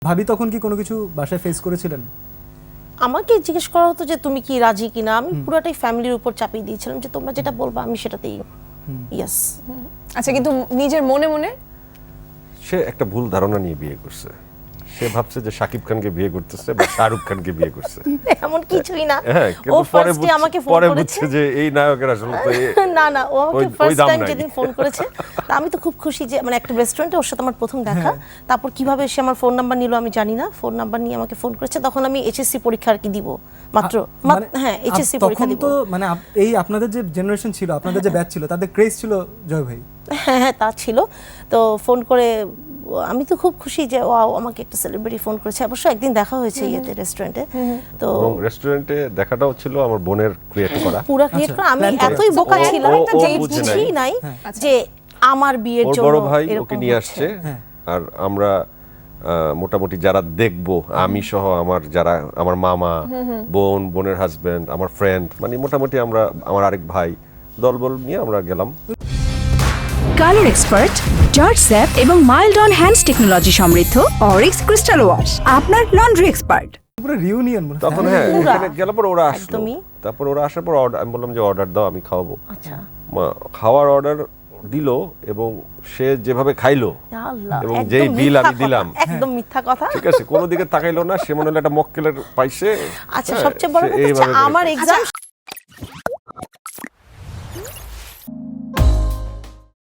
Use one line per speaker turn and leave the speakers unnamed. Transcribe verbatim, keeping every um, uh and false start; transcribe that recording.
ভাবি তখন কি কোনো কিছু বাসায় ফেস করেছিলেন?
আমাকে জিজ্ঞেস করা হতো যে তুমি কি রাজি কিনা, আমি পুরোটাই ফ্যামিলির উপর চাপিয়ে দিয়েছিলাম যে তোমরা যেটা বলবা আমি সেটাতেই ইয়েস।
আচ্ছা, কিন্তু নিজের মনে মনে
সে একটা ভুল ধারণা নিয়ে বিয়ে করছে। সে ভাবছে যে শাকিব খানকে বিয়ে করতেছে বা শাহরুখ খানকে বিয়ে করছে।
এমন কিছুই না।
হ্যাঁ,
ও
কিন্তু পরে
ফার্স্টে আমাকে ফোন
পরে
করেছে
বুঝছে যে এই নায়কের আসলে তো এ-
না না ও আমাকে
ওই- ওই
ফার্স্ট
দাম
টাইম
নাই।
যেদিন ফোন করেছে তা আমি তো খুব খুশি যে মানে একটা রেস্টুরেন্টে ওর সাথে আমার প্রথম দেখা। তারপর কিভাবে সে আমার ফোন নাম্বার নিল আমি জানি না, ফোন নাম্বার নিয়ে আমাকে ফোন করেছে। তখন আমি এইচএসসি পরীক্ষা আর কি দিব মাত্র
মানে
হ্যাঁ এইচএসসি
আপ-
পরীক্ষা
তখন
দিব।
তো মানে আপ- এই আপনাদের যে জেনারেশন ছিল, আপনাদের যে ব্যাচ ছিল, তাদের ক্রেজ ছিল জয় ভাই।
হ্যাঁ হ্যাঁ তা ছিল। তো ফোন করে আমি তো খুব খুশি যে ওয়াও আমাকে একটা সেলিব্রিটি ফোন করেছে। অবশ্য একদিন দেখা হয়েছে ইয়েতে রেস্টুরেন্টে। তো
এবং রেস্টুরেন্টে দেখাটাও ছিল আমার বোনের ক্রিয়েট করা।
পুরো ক্রিয়েট করা আমি
plan করা।
এতই বোকা
ও-
ছিলাম
ও- ও
যে
বুঝে
বুঝি নাই
আচ্ছা।
যে আমার বিয়ের
ওর
জন্য
বড় ভাই
এরকম
ওকে নিয়ে
হচ্ছে।
আসছে আর আমরা আহ, মোটামুটি যারা দেখবো আমি সহ আমার যারা আমার মামা বোন বোনের হাজবেন্ড আমার ফ্রেন্ড মানে মোটামুটি আমরা আমার আরেক ভাই দলবল নিয়ে আমরা গেলাম।
কালার এক্সপার্ট, জর্জ স্যাপ এবং মাইল্ড অন হ্যান্ডস টেকনোলজি সমৃদ্ধ অরিক্স ক্রিস্টাল ওয়াশ আপনার লন্ড্রি এক্সপার্ট।
পুরো রিউনিয়ন মনে হয়।
তখন হ্যাঁ এখানে গেলার পর ওরা আসলো,
একদমই।
তারপর ওরা আসার পর order- আমি বললাম যে অর্ডার দাও আমি খাওয়াবো।
আচ্ছা
মা- খাওয়ার অর্ডার দিল এবং সে যেভাবে খাইলো
আল্লাহ,
এবং
একদম
যেই বিল
মিথ্যা
আমি দিলাম
কথা, একদম মিথ্যা কথা।
ঠিক আছে কোনো দিকে তাকাইলো না, সে মনে হলো একটা মক্কেলের পাইছে।
আচ্ছা
হ্যাঁ,
সবচেয়ে বড়
সে
কথা হচ্ছে
এইভাবে করে
আমার
খাইছে।
এক্সাম